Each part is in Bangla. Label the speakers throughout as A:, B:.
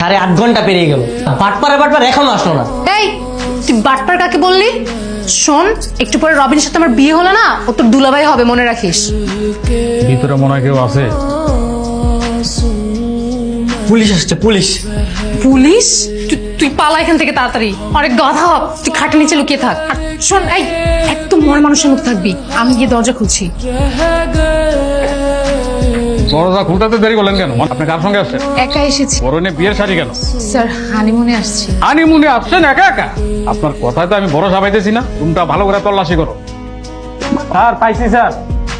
A: 8 ঘন্টা পেরিয়ে গেল, বাটপার এখনো আসলো না।
B: এই তুই বাটপার কাকে বললি? শোন, একটু পরে রবিনের সাথে আমার বিয়ে হলো না, ও তোর দুলাভাই হবে, মনে রাখিস।
C: ভিতরে মনে হয় কেউ আছে।
A: পুলিশ আসছে, পুলিশ।
B: পুলিশ? তুই পালা এখান থেকে তাড়াতাড়ি। অনেক গাধা, তুই খাটের নিচে লুকিয়ে থাক। আর শোন, এই একদম মরা মানুষের মতো থাকবি, আমি গিয়ে দরজা খুলছি।
C: দরজা খুলতে দেরি করলেন কেন? আপনি কার সঙ্গে আসছেন?
B: একা এসেছি
C: পরনে বিয়ের শাড়ি কেন?
B: স্যার, হানিমুনে আসছি।
C: হানিমুনে আসছেন একা একা? আপনার কথায় তো আমি ভরসা পাইতেছি না। রুমটা ভালো করে তল্লাশি করো।
A: স্যার, পাইছি স্যার।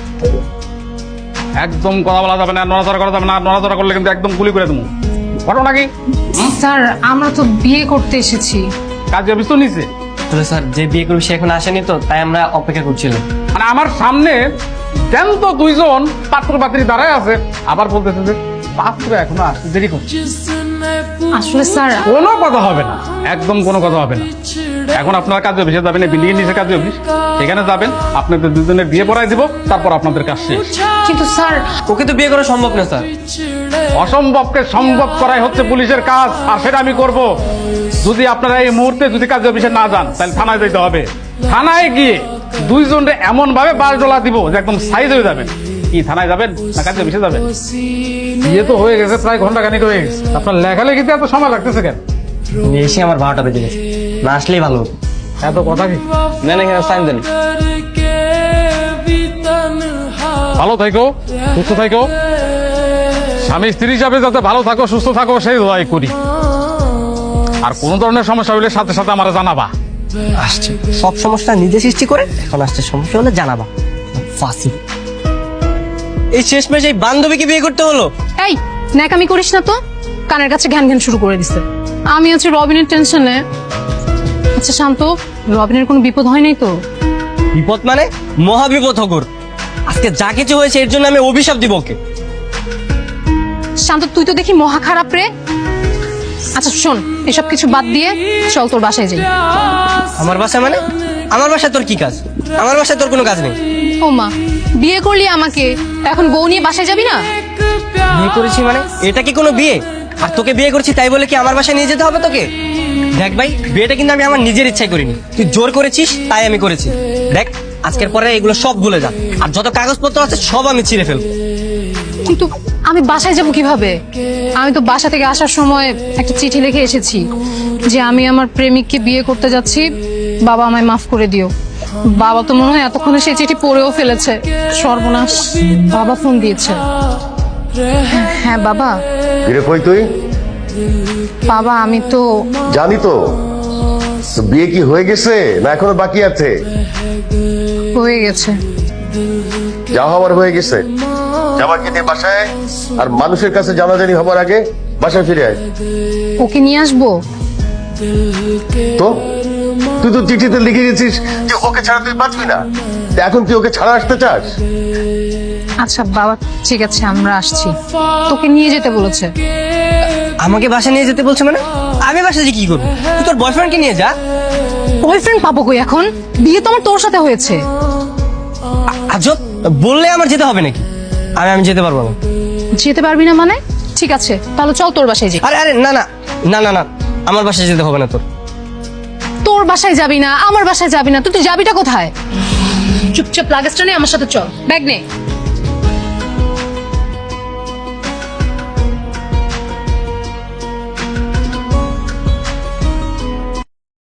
C: একদম কথা বলা যাবে না, নড়াচড়া করা যাবে না। নড়াচড়া করলে কিন্তু একদম গুলি করে দেবো। ঘটনা কি?
B: স্যার, আমরা তো বিয়ে করতে এসেছি।
C: কাজ অফিস তো নিচে।
A: আসলে স্যার, যে বিয়ে করবে সে এখন আসেনি তো, তাই আমরা অপেক্ষা করছিলাম।
C: মানে আমার সামনে জ্যান্ত দুইজন পাত্র পাত্রী দাঁড়ায় আছে, আবার বলতেছে যে পাত্র এখনো আসতে দেরি করছে।
B: আসলে স্যার,
C: কোনো কথা হবে না, একদম কোনো কথা হবে না। এখন আপনারা কাজ অফিসে যাবেন, বিল্ডিং এর নিচে কাজ অফিস, সেখানে যাবেন। আপনাদের দুজনের বিয়ে পড়ায় দিব, তারপর আপনাদের কাজ শেষ।
B: কিন্তু স্যার,
A: ওকে তো বিয়ে করা সম্ভব না স্যার।
C: অসম্ভবকে সম্ভব করাই হচ্ছে পুলিশের কাজ, আর সেটা আমি করব। যদি আপনারা এই মুহূর্তে যদি কাজ অফিসে না যান, তাহলে থানায় যেতে হবে। থানায় গিয়ে দুইজনরে এমন ভাবে বাস ডলা দিব যে একদম সাইজ হয়ে যাবেন। কি থানায় যাবেন না কাজ অফিসে যাবেন? বিয়ে তো হয়ে গেছে, প্রায় ঘন্টাখানিক হয়ে গেছে। আপনার লেখালেখিতে এত সময় লাগতেছে কেন?
A: এসে আমার 12টা বেজে গেছে, না আসলেই ভালো হতো।
C: এত কথা কি?
A: না না, সাইন দেন।
C: ভালো থাকো, সুস্থ থাকো। স্বামী স্ত্রী হিসাবে যাতে ভালো থাকো, সুস্থ থাকো, সেই দোয়াই করি। আর কোন ধরনের সমস্যা হলে সাথে সাথে আমার জানাবা।
A: আসছে সব সমস্যা নিজে সৃষ্টি করে, এখন আসছে সমস্যা হলে জানাবা। ফাঁসি। এই শেষমেশ এই বান্ধবীকে বিয়ে করতে হলো।
B: এই ন্যাকামি করিস না তো, কানের কাছে ঘ্যান ঘ্যান শুরু করে দিছে। আমি হচ্ছে রবিনের টেনশনে। আচ্ছা শান্ত, রবিনের কোনো বিপদ হয় নাই তো?
A: বিপদ মানে মহা বিপদ হগর। আজকে যা কিছু হয়েছে এর জন্য আমি অভিশাপ দিব ওকে।
B: শান্ত, তুই তো দেখি মহা খারাপ রে। আচ্ছা শোন, এসব কিছু বাদ দিয়ে চল তোর বাসায় যাই।
A: আমার বাসায় মানে? আমার বাসায় তোর কি কাজ? আমার বাসায় তোর কোনো কাজ নেই।
B: ও মা, বিয়ে করলি আমাকে, এখন বউ নিয়ে বাসায় যাবি না?
A: বিয়ে করেছি মানে এটা কি কোনো বিয়ে? আর তোকে বিয়ে করছি তাই বলে কি আমার বাসায় নিয়ে যেতে হবে তোকে? দেখ ভাই, বিয়েটা কিন্তু আমি আমার নিজের ইচ্ছায় করিনি, তুই জোর করেছিস তাই আমি করেছি। দেখ, আজকের পরে এগুলো সব ভুলে যা, আর যত কাগজপত্র আছে সব আমি ছিঁড়ে ফেলবো।
B: কিন্তু আমি বাসায় যাব কিভাবে? আমি তো বাসা থেকে আসার সময় একটা চিঠি লিখে এসেছি যে আমি আমার প্রেমিককে বিয়ে করতে যাচ্ছি, বাবা আমায় মাফ করে দিও। বাবা তো মনে হয় এতক্ষণে সেই চিঠি পড়েও ফেলেছে। সর্বনাশ, বাবা ফোন দিয়েছে। হ্যাঁ বাবা।
D: ফিরে কই তুই?
B: বাবা আমি তো
D: জানি তো। তো বিয়ে কি হয়ে গেছে না এখনো বাকি আছে?
B: হয়ে গেছে।
D: যা হওয়ার হয়ে গেছে, জামাকে নিয়ে বাসায়, আর মানুষের কাছে জানাজানি হবার আগে বাসায় ফিরে আয়।
B: ওকে নিয়ে আসবো?
D: তো তুই তো চিঠিতে লিখে গেছিস যে ওকে ছাড়া তুই বাঁচবি না, তা এখন তুই ওকে ছাড়া আসতে চাস?
B: আচ্ছা বাবা, ঠিক আছে আমরা আসছি। তোকে নিয়ে যেতে বলেছে।
A: আমাকে বাসায় নিয়ে যেতে বলছে মানে? আমি বাসায় যে কি করবো? তুই তোর বয়ফ্রেন্ডকে নিয়ে যা।
B: বয়ফ্রেন্ড পাবো কই এখন? বিয়ে তো আমার তোর সাথে হয়েছে।
A: আজব, বললে আমার যেতে হবে নাকি? আমি যেতে পারবো না।
B: যেতে পারবি না মানে? ঠিক আছে তাহলে চল তোর বাসায় যাই।
A: আরে আরে না না না না না, আমার বাসায় যেতে হবে না তোর।
B: তোর বাসায় যাবি না, আমার বাসায় যাবি না, তুই যাবিটা কোথায়? চুপচাপ লাগেজটা নিয়ে আমার সাথে চল, ব্যাগ নে।